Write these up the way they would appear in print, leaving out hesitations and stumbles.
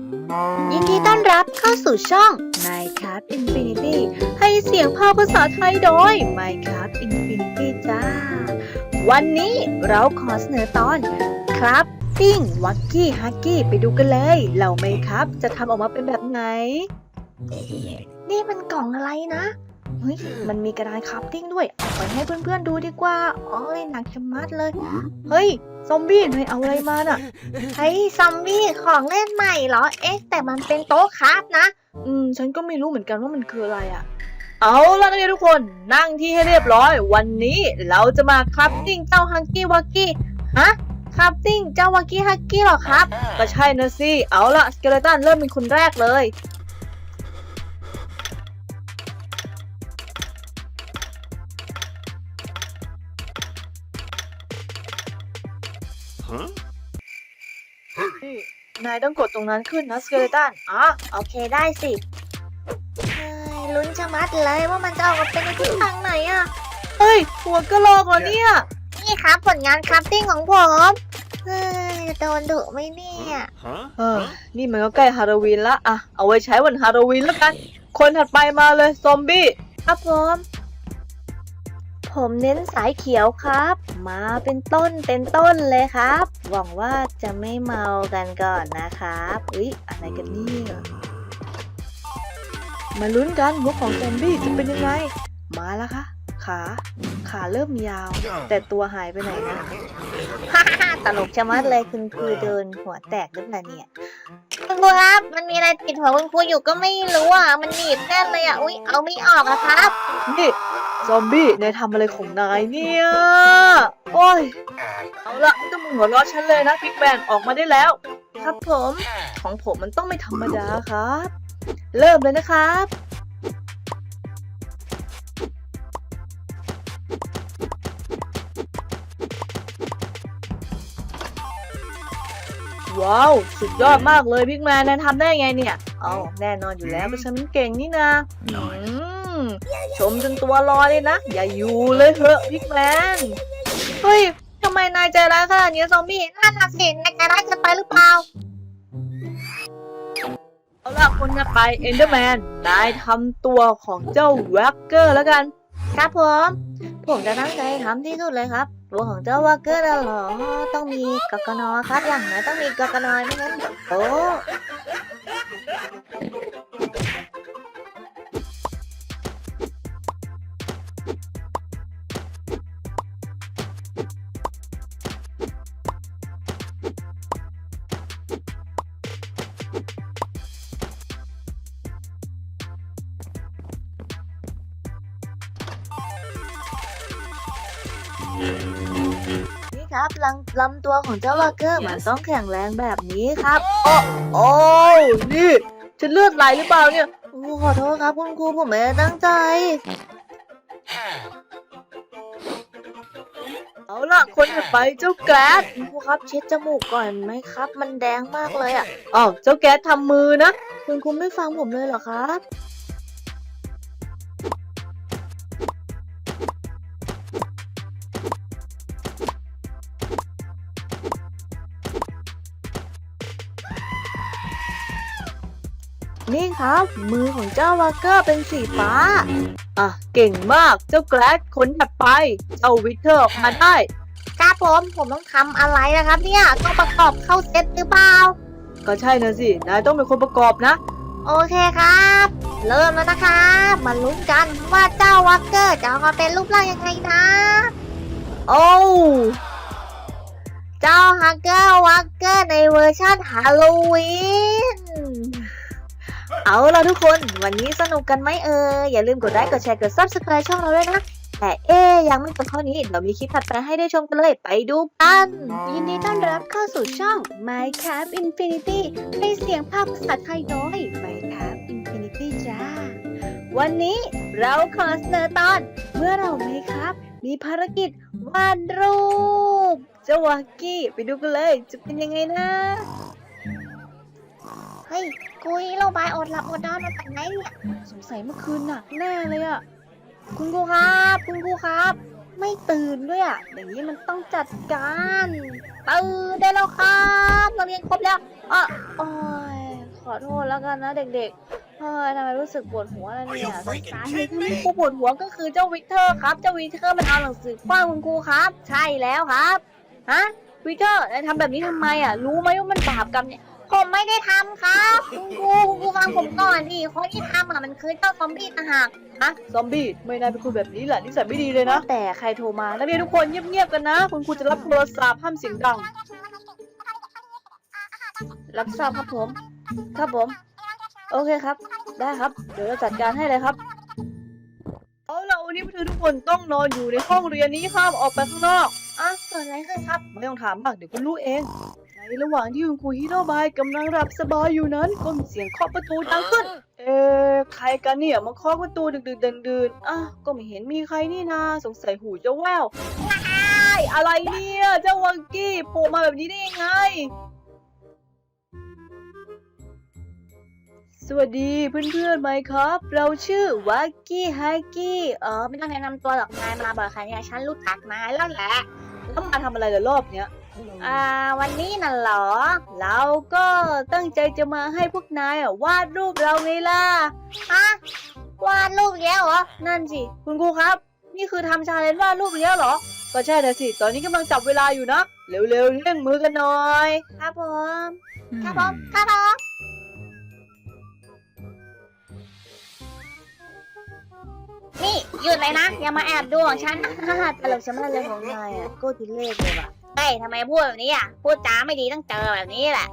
ยินดีต้อนรับเข้าสู่ช่อง Minecraft Infinity ให้เสียงภาคภาษาไทยโดย Minecraft Infinity จ้า วันนี้เราขอเสนอตอน Crafting Wacky Hacky ไปดูกันเลยเหล่า Minecraft จะทำออกมาเป็นแบบไหน นี่มันกล่องอะไรนะ เฮ้ย มันมีกระดานคราฟติ้งด้วยเอาไปให้เพื่อนๆดูดีกว่าโอ้ยหนักชะมัดเลย เฮ้ย ซอมบี้นายเอาอะไรมาน่ะเฮ้ยซอมบี้ของเล่นใหม่เหรอ เอ๊ะแต่มันเป็นโต๊ะคราฟนะฉันก็ไม่รู้เหมือนกันว่ามันคืออะไรอ่ะ เอาล่ะนักเรียนทุกคนนั่งที่ให้เรียบร้อย วันนี้เราจะมาคราฟติ้งเจ้าฮังกี้วักกี้ฮะคราฟติ้งเจ้าวักกี้ฮักกี้หรอครับ ก็ใช่นะสิ เอาล่ะสเกเลตันเริ่มเป็นคนแรกเลย นี่นายต้องกดตรงนั้นขึ้นนะสเกเลตันโอเคได้สิเฮ้ยลุ้นชะมัดเลยว่ามันจะออกมาเป็นในทิศทางไหนอะเฮ้ย หัวกะโหลกเหรอเนี่ยนี่ครับผลงานคราฟติ้งของผมเฮ้ยโดนดุไหมเนี่ยนี่มันก็ใกล้ฮาโลวีนละอะเอาไว้ใช้วันฮาโลวีนแล้วกัน คนถัดไปมาเลยซอมบี้ ครับผมเน้นสายเขียวครับ มาเป็นต้นเลยครับ หวังว่าจะไม่เมากันก่อนนะครับอะไรกันเนี่ยมาลุ้นกันหัวของซอมบี้จะเป็นยังไง มาแล้วค่ะ ขาเริ่มยาว แต่ตัวหายไปไหนนะฮ่าฮ่าตลกชะมัดเลยคุณครูเดินหัวแตกหรือเปล่าเนี่ยคุณครูครับมันมีอะไรติดหัวคุณครูอยู่ก็ไม่รู้อ่ะมันหนีบแน่นเลยอ่ะอุ๊ยเอาไม่ออกอะครับนี่ซอมบี้นายทำอะไรของนายเนี่ยโอ้ยเอาละไม่ต้องมาหัวเราะฉันเลยนะพิกแมนออกมาได้แล้ว ครับผมของผมมันต้องไม่ธรรมดาครับ เริ่มเลยนะครับว้าวสุดยอดมากเลยพิกแมนนายทำได้ไงเนี่ยเอาแน่นอนอยู่แล้วเพราะฉันมันเก่งนี่นะชมจนตัวลอยเลยนะอย่าอยู่เลยเถอะพิกแมนเฮ้ยทำไมนายใจร้ายขนาดนี้ซอมบี้นั่นน่ะสินายจะได้เกินไปหรือเปล่าเอาล่ะคนจะไปเอนเดอร์แมนนายทำตัวของเจ้าแว็กเกอร์แล้วกันครับผมจะตั้งใจทำที่สุดเลยครับตัวของเจ้าวาเกอร์น่ะเหรอต้องมีกกนครับอย่างน้อยต้องมีกกนไม่งั้นโอ้นี่ครับลำตัวของเจ้าวาเกอร์มันต้องแข็งแรงแบบนี้ครับโอ้นี่ฉันเลือดไหลหรือเปล่าเนี่ยขอโทษครับคุณครูผมไม่ได้ตั้งใจเอาล่ะคนจะไปเจ้าแก๊สคุณครูครับเช็ดจมูกก่อนไหมครับ มันแดงมากเลยเจ้าแก๊สทำมือนะคุณครูไม่ฟังผมเลยเหรอครับ นี่ครับมือของเจ้าวาเกอร์เป็นสีฟ้าเก่งมากเจ้าแกลดคนถัดไปเจ้าวิเทอร์ออกมาได้ครับผมต้องทำอะไรนะครับเนี่ยต้องประกอบเข้าเซตหรือเปล่าก็ใช่นะสินายต้องเป็นคนประกอบนะโอเคครับ เริ่มแล้วนะครับมาลุ้นกันว่าเจ้าวาเกอร์จะออกมาเป็นรูปร่างยังไงนะโอ้เจ้าฮักเกอร์วาเกอร์ในเวอร์ชันฮาโลวีนเอาล่ะทุกคนวันนี้สนุกกันไหมอย่าลืมกดไลค์กดแชร์กด Subscribe ช่องเราด้วยนะแต่ยังไม่จบเท่านี้เดี๋ยวมีคลิปถัดไปให้ได้ชมกันเลยไปดูกันยินดีต้อนรับเข้าสู่ช่อง Minecraft Infinity ให้เสียงภาคภาษาไทยโดย Minecraft Infinity จ้าวันนี้เราขอเสนอตอนเมื่อเรา Minecraft มีภารกิจวาดรูปเจ้าวากี้ไปดูกันเลยจะเป็นยังไงนะเฮ้ยกุยเราไปอดหลับอดนอนมาจากไหนเนี่ยสงสัยเมื่อคืนหนักแน่เลยคุณครูครับไม่ตื่นด้วยอย่างนี้มันต้องจัดการตื่นได้แล้วครับเราเรียนครบแล้วโอ้ยขออโทษแล้วกันนะเด็กๆเฮ้ยทำไมรู้สึกปวดหัวแล้วเนี่ยสาเหตุที่ครูปวดหัวก็คือเจ้าวิกเตอร์ครับเจ้าวิกเตอร์มันเอาหนังสือคว้างคุณครูครับ ใช่แล้วครับฮะวิกเตอร์ทำแบบนี้ทำไมอ่ะรู้ไหมว่ามันบาปกรรมเนี่ยผมไม่ได้ทำครับคุณครูฟังผมก่อนดิคนที่ทำอ่ะมันคือเจ้าซอมบี้ต่างหากฮะซอมบี้ไม่น่าเป็นคนแบบนี้แหละนิสัยไม่ดีเลยนะแต่ใครโทรมานักเรียนทุกคนเงียบๆกันนะคุณครูจะรับโทรศัพท์ห้ามเสียงดังรับทราบครับผมครับผมโอเคครับได้ครับเดี๋ยวเราจัดการให้เลยครับเอาล่ะวันนี้พวกเธอทุกคนต้องนอนอยู่ในห้องเรียนนี้ห้ามออกไปข้างนอกเกิดอะไรขึ้นครับไม่ต้องถามมากเดี๋ยวคุณรู้เองในระหว่างที่คุณครูฮิโรบายกำลังหลับสบายอยู่นั้นก็มีเสียงเคาะประตูดังขึ้นใครกันเนี่ยมาเคาะประตูดึกๆดื่นๆก็ไม่เห็นมีใครนี่นาสงสัยหูจะแว่วอะไรเนี่ยเจ้าวังกี้โผล่มาแบบนี้ได้ยังไงสวัสดีเพื่อนๆไหมครับเราชื่อวักกี้ฮักกี้ไม่ต้องแนะนำตัวหรอกนายมาบ่อยครั้งเนี่ยฉันรู้จักนายแล้วแหละแล้วมาทำอะไรล่ะรอบเนี้ยวันนี้น่ะเหรอเราก็ตั้งใจจะมาให้พวกนายวาดรูปเราไงล่ะวาดรูปแล้วเหรอนั่นสิคุณครูครับนี่คือทำชาเลนจ์วาดรูปแล้วเหรอก็ใช่แต่สิตอนนี้กำลังจับเวลาอยู่นะเร็วๆเร่งมือกันหน่อยครับผมครับผมนี่หยุดเลยนะอย่ามาแอบดูของฉันตลกชะมัดเลยของนายก็ทุเรศเลยว่ะเฮ้ยทำไมพูดแบบนี้พูดจาไม่ดีต้องเจอแบบนี้แหละ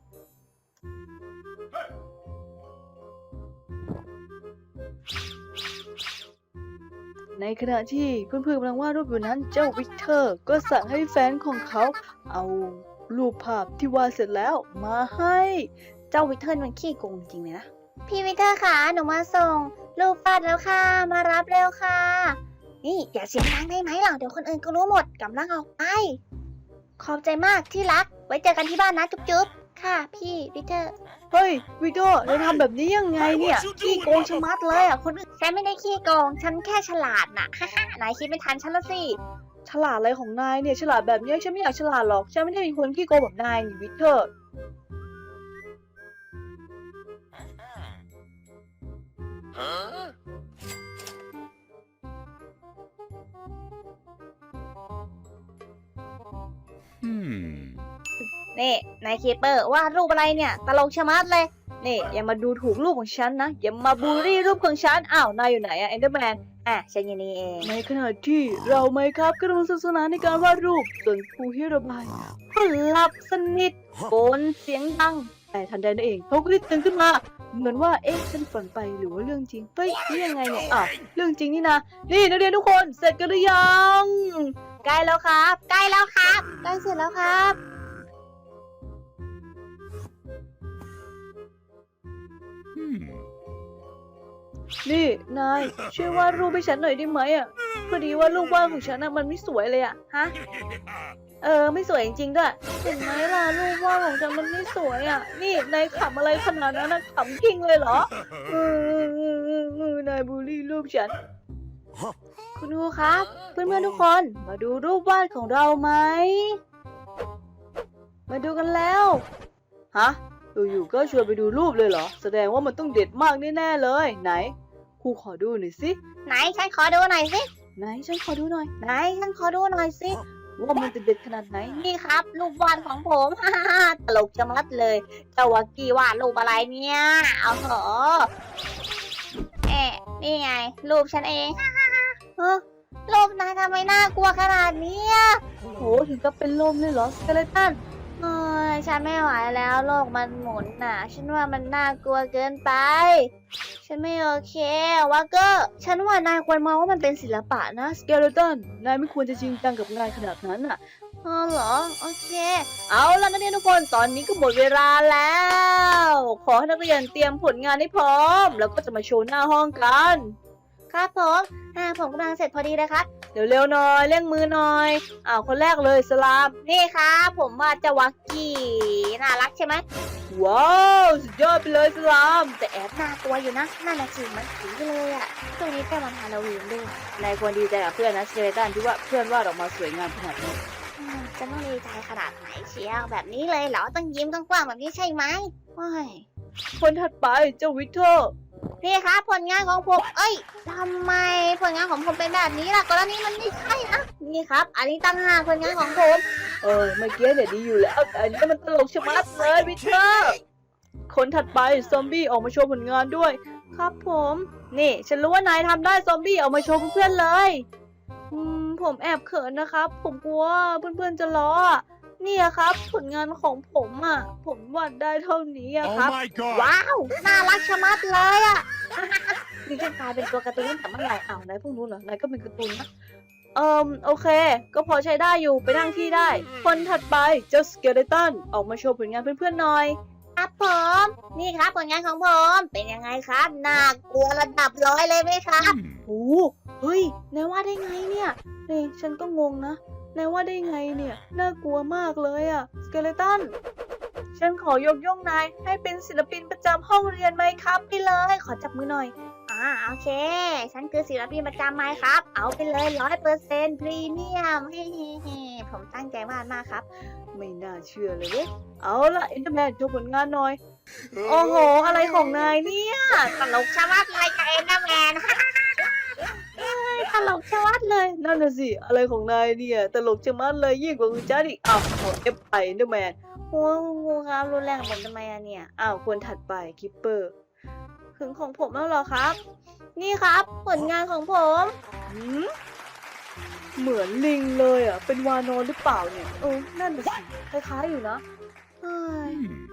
ในขณะที่เพื่อนๆกำลังวาดรูปอยู่นั้นเจ้าวิกเตอร์ก็สั่งให้แฟนของเขาเอารูปภาพที่วาดเสร็จแล้วมาให้เจ้าวิกเตอร์มันขี้โกงจริงเลยนะพี่วิกเตอร์ค่ะหนูมาส่งรูปวาดแล้วค่ะมารับเร็วค่ะนี่อย่าเสียงดังได้ไหมหรอเดี๋ยวคนอื่นก็รู้หมดกำลังออกไปขอบใจมากที่รักไว้เจอกันที่บ้านนะจุ๊บๆค่ะพี่วิกเตอร์เฮ้ยวิกเตอร์เราทำแบบนี้ยังไงเนี่ยขี้โกงชะมัดเลยคนอื่นฉันไม่ได้ขี้โกงฉันแค่ฉลาดน่ะนายคิดไม่ทันฉันละสิฉลาดอะไรของนายเนี่ยฉลาดแบบนี้ฉันไม่อยากฉลาดหรอกฉันไม่ได้เป็นคนขี้โกงแบบนายนี่วิกเตอร์นี่นายคีเปอร์วาดรูปอะไรเนี่ยตลกชะมัดเลยนี่อย่ามาดูถูกรูปของฉันนะอย่ามาบูลลี่รูปของฉันอ้าวนายอยู่ไหนเอนเดอร์แมนฉันอยู่นี่เองในขณะที่เราไหมครับกำลังสนุกสนานในการวาดรูปส่วนครูฮิโรบายก็หลับสนิทโกนเสียงดังแต่ทันใดนั่นเองเขาก็ได้ตื่นขึ้นมาเหมือนว่าฉันฝันไปหรือว่าเรื่องจริงเฮ้ยนี่ยังไงเนี่ยเรื่องจริงนี่นะนี่นักเรียนทุกคนเสร็จกันหรือยังใกล้แล้วครับใกล้แล้วครับใกล้เสร็จแล้วครับนี่นายช่วยวาดรูปให้ฉันหน่อยได้ไหมพอดีว่ารูปวาดของฉันมันไม่สวยเลยฮะไม่สวยจริงๆด้วยเห็นไหมล่ะรูปวาดของฉันมันไม่สวยนี่นายขำอะไรขนาดนั้นขำกิ้งเลยเหรอนายบูลลี่รูปฉันคุณครูครับเพื่อนๆทุกคนมาดูรูปวาดของเราไหมมาดูกันแล้วฮะอยู่ๆก็ชวนไปดูรูปเลยเหรอแสดงว่ามันต้องเด็ดมากแน่ๆเลยไหนครูขอดูหน่อยสิไหนฉันขอดูหน่อยสิไหนฉันขอดูหน่อยไหนฉันขอดูหน่อยสิว่ามันจะเด็ดขนาดไหนนี่ครับรูปวาดของผมตลกจะมัดเลยเจ้าวักกี้วาดรูปอะไรเนี่ยเอาเถอะนี่ไงรูปฉันเองรูปนายทำไมน่ากลัวขนาดนี้โหถึงกับเป็นลมเลยเหรอสเกเลตันฉันไม่ไหวแล้วโลกมันหมุนฉันว่ามันน่ากลัวเกินไปฉันไม่โอเควะก็ฉันว่านายควรมองว่ามันเป็นศิลปะนะสเกเลตันนายไม่ควรจะจริงจังกับงานขนาดนั้นเหรอโอเคเอาล่ะนักเรียนทุกคนตอนนี้ก็หมดเวลาแล้วขอให้นักเรียนเตรียมผลงานให้พร้อมแล้วก็จะมาโชว์หน้าห้องกันครับผมผมกำลังเสร็จพอดีเลยครับเร็วๆหน่อยเร่งมือหน่อยคนแรกเลยสลามนี่ครับผมว่าจะวักกี้น่ารักใช่ไหมว้าวสุดยอดไปเลยสลามแต่แอบน่ากลัวอยู่นะน่าหนักจริงมันผีเลยช่วงนี้ใกล้วันฮาโลวีนด้วยนายควรดีใจกับเพื่อนนะสเกเลตันที่ว่าเพื่อนวาดออกมาสวยงามขนาดนี้จะต้องดีใจขนาดไหนเชียวแบบนี้เลยเหรอต้องยิ้มกว้างๆแบบนี้ใช่ไหมว้ายคนถัดไปเจ้าวิกเตอร์นี่ครับผลงานของผม เอ้ยทำไมผลงานของผมเป็นแบบนี้ล่ะกรณีมันไม่ใช่นะนี่ครับ อันนี้ตั้งหากผลงานของผมเมื่อกี้เนี่ยดีอยู่แล้วแต่อันนี้มันตลกชะมัดเลยวิกเตอร์คนถัดไปซอมบี้ออกมาโชว์ผลงานด้วย ครับผม นี่ฉันรู้ว่านายทำได้ซอมบี้ออกมาโชว์เพื่อนๆเลยผมแอบเขินนะครับ ผมกลัวเพื่อนๆจะล้ออะนี่อะครับ ผลงานของผมอ่ะ ผมวาดได้เท่านี้อะครับ Oh my god! ว้าว น่ารักชะมัดเลยอะนี่ฉันกลายเป็นตัวการ์ตูนตั้งแต่เมื่อไหร่อ้าวนายพวกนู้นเหรอนายก็เป็นการ์ตูนนะโอเค ก็พอใช้ได้อยู่ไปนั่งที่ได้ คนถัดไปเจ้าสเกเลตันออกมาโชว์ผลงานเพื่อนๆหน่อยครับผม นี่ครับผลงานของผม เป็นยังไงครับ น่ากลัวระดับ100เลยไหมครับโอ้เฮ้ยนายว่าได้ไงเนี่ยนี่ฉันก็งงนะนายว่าได้ไงเนี่ย น่ากลัวมากเลยอะสเกเลตัน ฉันขอยกย่องนายให้เป็นศิลปินประจำห้องเรียนไหมครับไปเลย ขอจับมือหน่อยโอเค ฉันคือศิลปินประจำไม้ครับ เอาไปเลย100%พรีเมียมเฮ้ผมตั้งใจวาดมากครับไม่น่าเชื่อเลยเว้ยเอาละอินเตอร์แมนโชว์ผลงานหน่อย โอ้โห อะไรของนายเนี่ยตลกชะมัดเลยกับเอ็นเดอร์แมนตลกชะมัดเลย นั่นน่ะสิ อะไรของนายเนี่ย ตลกชะมัดเลยยิ่งกว่าคุณจ้าดิอ้าวขอเอฟไปอินเตอร์แมนโอ้งูครับรุนแรงกับผมทำไมอะเนี่ยอ้าวคนถัดไปคิปเปอร์ถึงของผมแล้วเหรอครับ นี่ครับผลงานของผมหืมเหมือนลิงเลยอ่ะ เป็นวานอนหรือเปล่าเนี่ยนั่นน่ะสิคล้ายๆอยู่นะเฮ้ย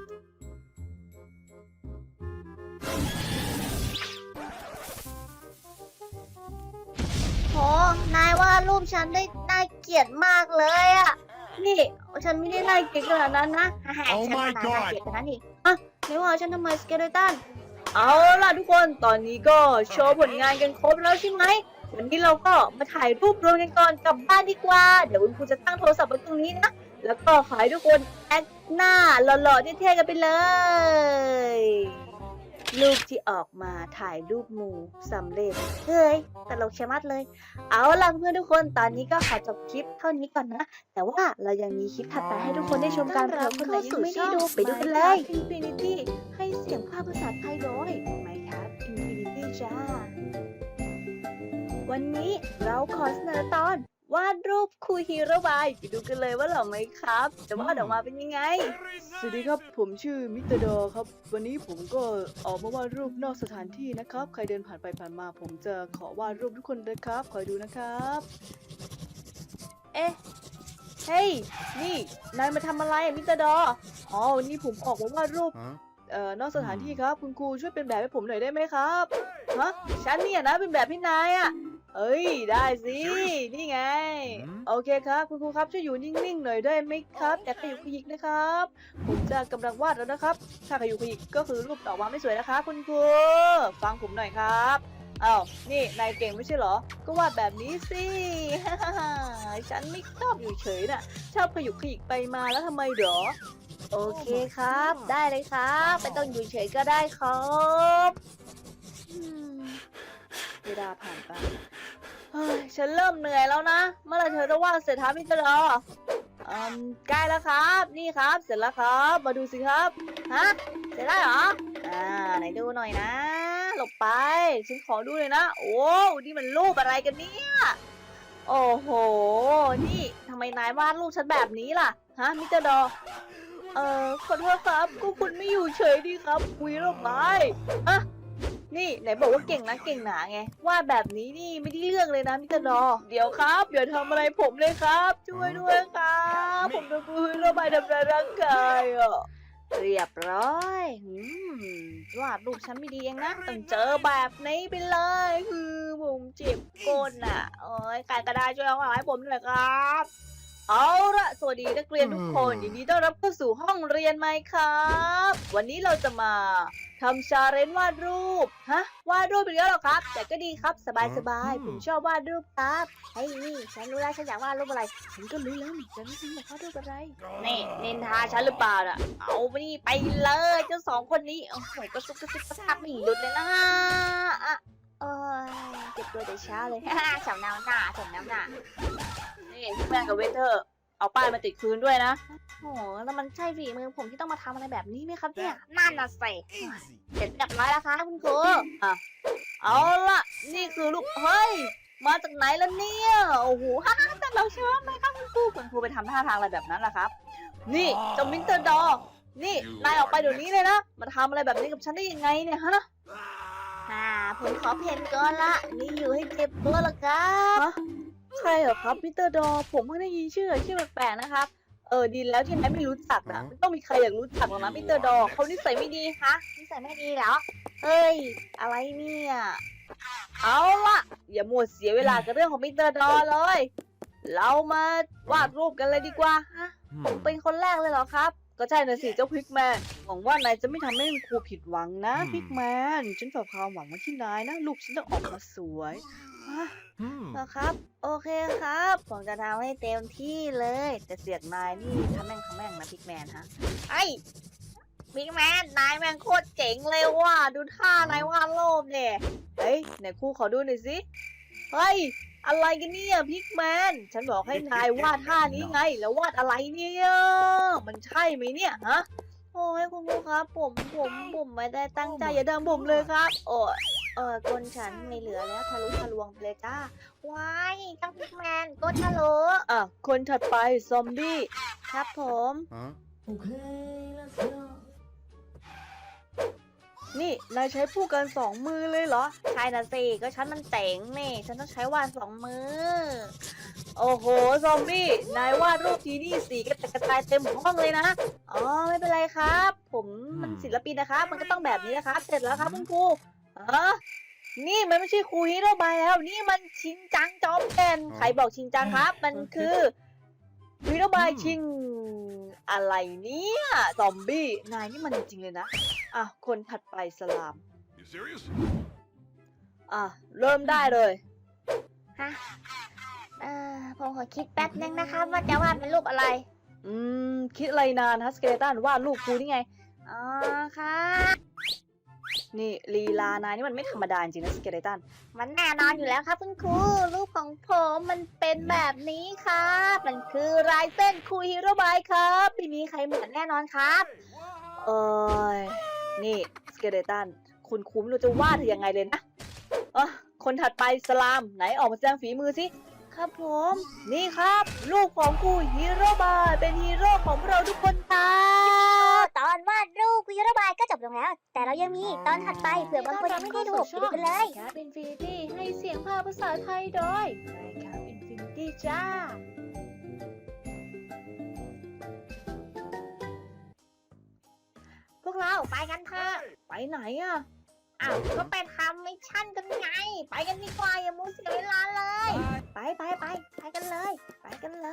โห นายว่าดรูปฉันได้น่าเกลียดมากเลยอะนี่ฉันไม่ได้ไล่เก่งขนาดนั้นนะ Oh ฉัน my น่า god เกลียดขนาดนั้นอีกไม่ว่าฉันทำไมสเกเลตัน เอาล่ะทุกคน ตอนนี้ก็โชว์ผลงานกันครบแล้วใช่ไหม วันนี้เราก็มาถ่ายรูปรวมกันก่อนกลับบ้านดีกว่า เดี๋ยวคุณครูจะตั้งโทรศัพท์ไว้ตรงนี้นะ แล้วก็ขอให้ทุกคนแอคหน้าหล่อๆเท่ๆกันไปเลย รูปที่ออกมาถ่ายรูปหมู่สำเร็จเฮ้ย ตลกชะมัดเลยเอาล่ะเพื่อนทุกคนตอนนี้ก็ขอจบคลิปเท่านี้ก่อนนะ แต่ว่าเรายังมีคลิปถัดไปให้ทุกคนได้ชมกันเผื่อคนไหนยังไม่ได้ดูไปดูกันเลย Infinity ให้เสียงภาคภาษาไทยโดย Minecraft Infinity จ้า วันนี้เราขอเสนอตอนวาดรูปครูฮีโร่บายไปดูกันเลยว่าหล่อไหมครับจะวาดออกมาเป็นยังไง สวัสดีครับผมชื่อมิสเตอร์ดอครับ วันนี้ผมก็ออกมาวาดรูปนอกสถานที่นะครับ ใครเดินผ่านไปผ่านมาผมจะขอวาดรูปทุกคนเลยครับคอยดูนะครับ เอ๊ะ เฮ้ย นี่นายมาทำอะไรมิสเตอร์ดออ๋อวันนี้ผมออกมาวาดรูป Huh? นอกสถานที่ครับคุณครูช่วยเป็นแบบให้ผมหน่อยได้ไหมครับฮะฉันเนี่ยนะเป็นแบบพี่นายอ่ะเอ้ยได้สินี่ไง โอเคครับคุณครูครับช่วยอยู่นิ่งๆหน่อยได้ไหมครับอย่าขยุกขยิกนะครับผมจะกำลังวาดแล้วนะครับถ้าขยุกขยิกก็คือรูปออกมาไม่สวยนะคะคุณครูฟังผมหน่อยครับอ้าวนี่นายเก่งไม่ใช่เหรอก็วาดแบบนี้สิ ฉันไม่ชอบอยู่เฉยน่ะชอบขยุกขยิกไปมาแล้วทำไมเหรอ โอเคครับ ได้เลยครับไม่ต้องอยู่เฉยก็ได้ครับเวลาผ่านไปเฮ้ยฉันเริ่มเหนื่อยแล้วนะ เมื่อไหรเธอจะว่างเสร็จครับพี่เจรอใกล้แล้วครับ นี่ครับ เสร็จแล้วครับ มาดูสิครับ ฮะ เสร็จแล้วเหรอ ไหนดูหน่อยนะ หลบไป ฉันขอดูเลยนะ โอ้นี่มันรูปอะไรกันเนี่ย โอ้โห นี่ทำไมนายวาดรูปฉันแบบนี้ล่ะ ฮะมิสเตอร์ดอ ขอโทษครับก็คุณไม่อยู่เฉยดีครับคุยเรื่องไปอะนี่ไหนบอกว่าเก่งนะเก่งหนาไงวาดแบบนี้นี่ไม่ได้เรื่องเลยนะมิสเตอร์ดอเดี๋ยวครับอย่าทำอะไรผมเลยครับ ช่วยด้วยครับผมโดนคุยระบายทำร้ายร่างกายอ่ะเรียบร้อยวาดรูปฉันไม่ดีเองนะต้องเจอแบบนี้ไปเลยคือผมเจ็บก้นอ่ะโอ้ยใครก็ได้ช่วยเอาให้ผมหน่อยครับ เอาละสวัสดีนักเรียนทุกคนยินดีต้อนรับเข้าสู่ห้องเรียนไหมครับ วันนี้เราจะมาทำชาเลนจ์วาดรูปวาดรูปอีกแล้วเหรอครับ แต่ก็ดีครับสบายๆผมชอบวาดรูปครับเฮ้ยนี่ฉันรู้แล้วฉันอยากวาดรูปอะไรฉันก็รู้แล้วนี่ฉันอยากวาดรูปอะไรนี่นินทาฉันหรือเปล่าน่ะเอาไปนี่ไปเลยเจ้าสองคนนี้โอ้โหกระซุกกระซิบกระซาบไม่หยุดเลยนะอ่ะเอ้ยเจ็บตัวแต่เช้าเลยสำน้ำหน้าสำน้ำหน้านี่พี่แม่กับเวเทอร์เอาป้ายมาติดคืนด้วยนะโอ้แล้วมันใช่ฝีมือผมที่ต้องมาทำอะไรแบบนี้ไหมครับเนี่ยนั่นน่ะสิ Easy. เสร็จเรียบร้อยแล้วค่ะคุณครูเอาล่ะนี่คือลูกเฮ้ยมาจากไหนล่ะเนี่ยโอ้โหฮ่าแต่เราเชื่อไหมครับคุณครูไปทำท่าทางอะไรแบบนั้นล่ะครับ นี่เจ้ามิสเตอร์ดอนี่นายออกไปเดี๋ยวนี้เลยนะมาทำอะไรแบบนี้กับฉันได้ยังไงเนี่ยฮะผมขอเพนก่อนละนี่อยู่ให้เจ็บตัวละครับใครเหรอครับมิสเตอร์ดอผมเพิ่งได้ยินชื่อแปลกๆนะครับดีแล้วที่นายไม่รู้จักนะไม่ต้องมีใครอยากรู้จักหรอกนะมิสเตอร์ดอเขานิสัยไม่ดีฮะนิสัยไม่ดีเหรอเฮ้ยอะไรเนี่ยเอาล่ะอย่ามัวเสียเวลากับเรื่องของมิสเตอร์ดอเลย เรามาวาดรูปกันเลยดีกว่าฮะผมเป็นคนแรกเลยเหรอครับ ก็ใช่นะสิเจ้าพิกแมนหวังว่านายจะไม่ทำให้ครูผิดหวังนะพิกแมนฉันฝากความหวังไว้ที่นายนะลูกฉันต้องออกมาสวยฮะนะครับ โอเคครับ ผมจะทำให้เต็มที่เลยแต่เสียงนายนี่ทำแม่งนะพิกแมนฮะไอ้บิ๊กแมนนายแม่งโคตรเจ๋งเลยว่ะดูท่านายวาดรูปเนี่ยเฮ้ยไหนครูขอดูหน่อยสิเฮ้ยอะไรกันเนี่ยพิกแมนฉันบอกให้นายวาดท่านี้ไงแล้ววาดอะไรเนี่ยมันใช่ไหมเนี่ยฮะโอ้ยคุณครูครับ ผมไม่ได้ตั้งใจอย่าดังผมเลยครับ โอ้ยก้นฉันไม่เหลือแล้วทะลุทะลวงไปเลยจ้าว้ายเจ้าบิ๊กแมนก้นทะลุอ่ะคนถัดไปซอมบี้ครับผม Huh? Okay, let's go. นี่นายใช้ผู้กันสองมือเลยเหรอใช่นะสิก็ฉันมันเจ๋งนี่ฉันต้องใช้วาดสองมือโอ้โหซอมบี้นายวาดรูปทีนี่สีกระจายเต็มห้องเลยนะอ๋อไม่เป็นไรครับ ผมมันศิลปินนะครับมันก็ต้องแบบนี้นะครับเสร็จแล้วครับคุณครูนี่มันไม่ใช่ครูฮีโร่บายแล้ว นี่มันชินจังจอมแก่นใครบอกชินจังครับ มันคือฮีโร่บายชิงอะไรเนี่ยซอมบี้นายนี่มันจริงๆเลยนะอ่ะคนถัดไปสลาม You serious? อ่ะเริ่มได้เลยฮะผมขอคิดแป๊บนึงนะครับว่าจะวาดเป็นรูปอะไรคิดอะไรนานฮัสเกเลตันวาดรูปครูนี่ไงอ๋อค่ะนี่ลีลานายนี่มันไม่ธรรมดาจริงนะสเกเลตันมันแน่นอนอยู่แล้วครับคุณครูรูปของผมมันเป็นแบบนี้ครับมันคือลายเส้นครูฮีโร่บายครับไม่มีใครเหมือนแน่นอนครับเอ้ยนี่สเกเลตันคุณครูไม่รู้จะวาดเธอยังไงเลยนะคนถัดไปสลามไหนออกมาแสดงฝีมือสิครับผมนี่ครับลูกของครูฮีโร่บายเป็นฮีโร่ของพวกเราทุกคนครับตอนวาดรูปครูฮีโร่บายก็จบลงแล้ว แต่เรายังมีตอนถัดไปเผื่อบางคนยังไม่ได้ดูไปดูกันเลยแคปอินฟินิตี้ให้เสียงภาคภาษาไทยโดยแคปอินฟินิตี้จ้าพวกเราไปกันเถอะไปไหนอ่ะอ้าวก็ไปทำมิชชั่นกันไง ไปกันดีกว่าอย่ามัวเสียเวลาเลย ไปกันเลย ไปกันเลย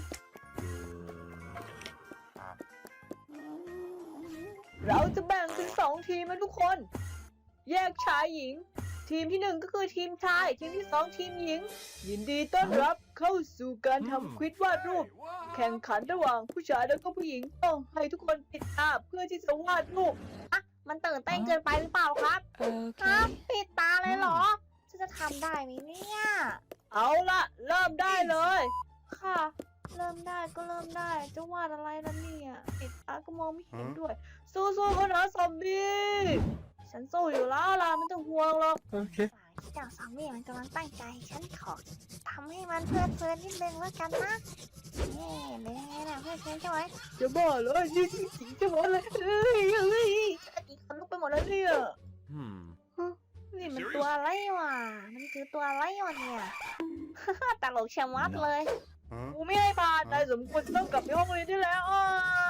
เราจะแบ่งเป็น2ทีมนะทุกคน แยกชายหญิง ทีมที่1ก็คือทีมชาย ทีมที่2ทีมหญิง ยินดีต้อนรับเข้าสู่การทำควิดวาดรูป แข่งขันระหว่างผู้ชายแล้วก็ผู้หญิงต้องให้ทุกคนปิดตาเพื่อที่จะวาดรูปมันตื่นเต้นเกินไปหรือเปล่าครับครับปิดตาเลยเหรอฉันจะทำได้ไหมเนี่ยเอาละเริ่มได้เลยค่ะ เริ่มได้ก็เริ่มได้ จะวาดอะไรล่ะเนี่ยปิดตาก็มองไม่เห็นด้วยสู้ๆเขานะซอมบี้ ฉันสู้อยู่แล้วล่ะไม่ต้องห่วงหรอก Okay. เจ้าซอมบี้มันกำลังตั้งใจ ฉันขอทำให้มันเพลิดเพลินนิดนึงแล้วกันนะนี่เป็นยังไงล่ะเพลิดเพลินใช่ไหมจะบ้าเหรอยืดจริงๆจะหมดเลยเฮ้ยอีกคนลุกไปหมดแล้วเนี่ยนี่มันตัวอะไรวะมันคือตัวอะไรวะเนี่ย ตลกชะมัดเลย Huh? กูไม่ให้ผ่านนายสมควรจะต้องกลับไปห้องเรียนได้แล้วอ้าว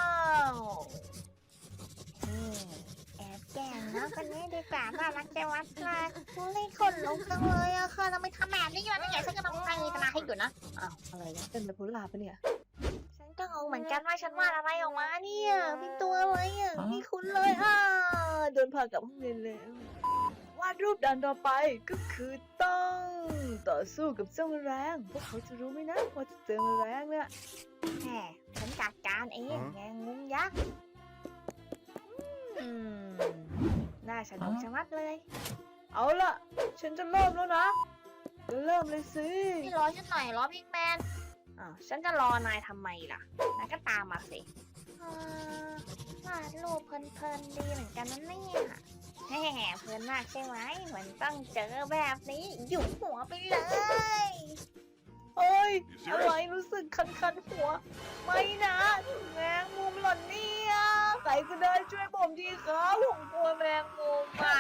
แอบแกล้งน้องคนนี้ดีกว่าน่ารักจังวัดเลยนี่คนลุกจังเลยอะค่ะทำไมทำแบบนี้อยู่นี่ไงฉันก็ต้องตั้งตาให้อยู่นะอ้าวอะไรนะเป็นไบโพล่าปะเนี่ยฉันก็งงเหมือนกันว่าฉันวาดอะไรออกมาเนี่ยเป็นตัวอะไรอะไม่คุ้นเลยอ่ะโดนพากลับห้องเรียนแล้ววาดรูปด่านต่อไปก็คือต้องต่อสู้กับเจ้าแมลงพวกเขาจะรู้ไหมนะว่าจะเจอแมลงเนี่ยแหมฉันจัดการเองแงงุ้มยักษ์อืมน่าสนุกชะมัดเลยเอาล่ะ ฉันจะเริ่มแล้วนะเริ่มเลยสินี่รอฉันหน่อยรอพิกแมนฉันจะรอนายทำไมล่ะนายก็ตามมาสิวาดรูปเพลินๆดีเหมือนกันนั่นเนี่ยแฮ่เพลินมากใช่ไหมมันต้องเจอแบบนี้หยุมหัวไปเลย โอ้ยอะไรรู้สึกคันๆหัว ไม่นะแมงมุมหล่นเนี่ยใครก็ได้ช่วยผมทีครับผมกลัวแมงมุมอ่ะ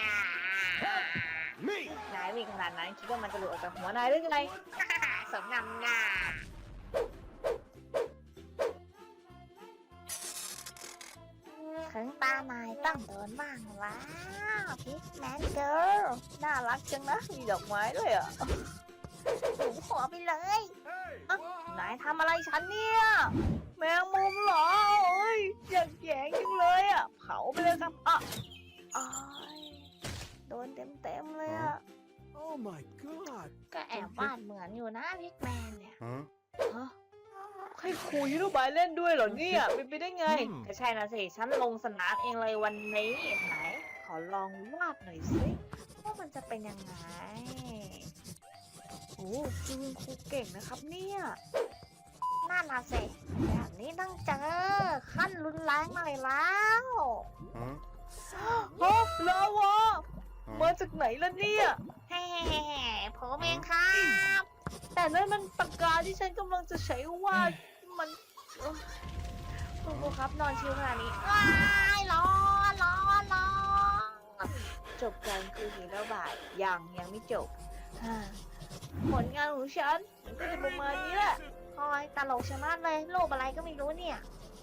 นายวิ่งขนาดนั้นคิดว่ามันจะหลุดออกจากหัวนายได้ไง สมนำหน้าถึงตานายต้องโดนบ้างแล้วพิกแมนเกิร์ลน่ารักจังนะมีดอกไม้ด้วยอ่ะหนูหัวไปเลยนายทำอะไรฉันเนี่ยแมงมุมเหรอโอ้ยอยากแยงจังเลยอ่ะเผาไปเลยครับอ่ะอ้ายโดนเต็มเลยอ่ะ Oh my god. ก็แอบวาดเหมือนอยู่นะพิกแมนเนี่ย Huh? ฮะให้ครูยุโรบายเล่นด้วยเหรอเนี่ยเป็นไปได้ไงอืมก็ใช่นะสิฉันลงสนามเองเลยวันนี้ไหนขอลองวาดหน่อยสิว่ามันจะเป็นยังไงโอ้คุณครูเก่งนะครับเนี่ยน่าน่ะสิแบบนี้ต้องเจอขั้นรุนแรงหน่อยแล้ว Huh? ฮะลาวามาจากไหนล่ะเนี่ยเฮ้ผมเองครับแต่นั่นมันปากกาที่ฉันกำลังจะใช้วาดมันเอ้ยคุณครูครับนอนชิวขนาดนี้ว้ายร้อนร้อนร้อนจบการคือหีระบาดยังไม่จบฮ่าผลงานของฉันมันก็จะประมาณนี้แหละคอยตลกชะมัดเลยรูปอะไรก็ไม่รู้เนี่ย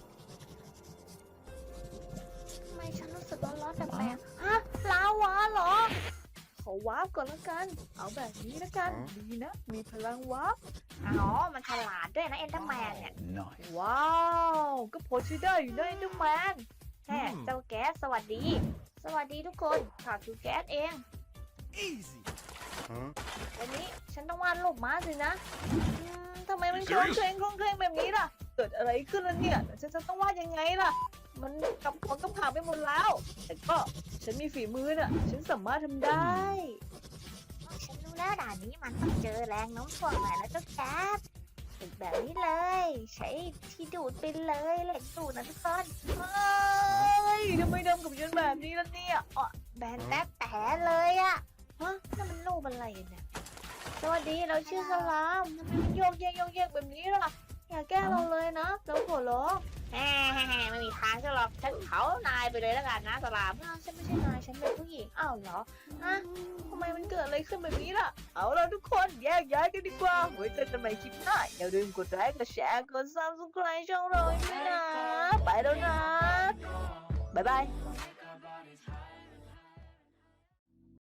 ทำไมฉันรู้สึกร้อนๆแปลกๆฮะลาวาเหรอขอวาร์ปก่อนละกัน เอาแบบนี้ละกันอ๋อดีนะ มีพลังวาร์ปอ๋อ มันฉลาดด้วยนะเอ็นเดอร์แมนเนี่ย Nice. ว้าว ก็พอใช้ได้อยู่นะไอ้เจ้าแมนแฮ่เจ้าแก๊สสวัสดี สวัสดีทุกคนข่าวคือแก๊สเอง Easy. Huh? วันนี้ฉันต้องวาดรูปม้าสินะทำไมมันโคลงเคลงแบบนี้ล่ะ เกิดอะไรขึ้นแล้วเนี่ยแล้วฉันจะต้องวาดยังไงล่ะ มันกับของกับข่าวไปหมดแล้ว แต่ก็ฉันมีฝีมือน่ะ ฉันสามารถทำได้ฉันรู้แล้วด่านนี้มันต้องเจอแรงโน้มถ่วงหน่อยแล้วเจ้าแก๊สฝึกแบบนี้เลย ใช้ที่ดูดไปเลยเหล็กดูดนะทุกคนเฮ้ยทำไมดำกับฉันแบบนี้ล่ะเนี่ยอ๋อแบนแต๊บแต่เลยอะฮะนั่นมันรูปอะไรเนี่ย สวัสดีเราชื่อสลามทำไมมันโยกแยกแบบนี้ล่ะ อย่าแกล้งเราเลยนะ เราขอร้องแฮ่ไม่มีทางจะหรอกฉันเผานายไปเลยแล้วกันนะสลามอ้าวฉันไม่ใช่นายฉันเป็นผู้หญิงอ้าวเหรอฮะทำไมมันเกิดอะไรขึ้นแบบนี้ล่ะ เอาเราทุกคนแยกย้ายกันดีกว่าไว้เจอกันใหม่คลิปหน้าอย่าลืมกดไลค์กดแชร์กด subscribe ช่องเราด้วยนะ ไปแล้วนะ บ๊ายบาย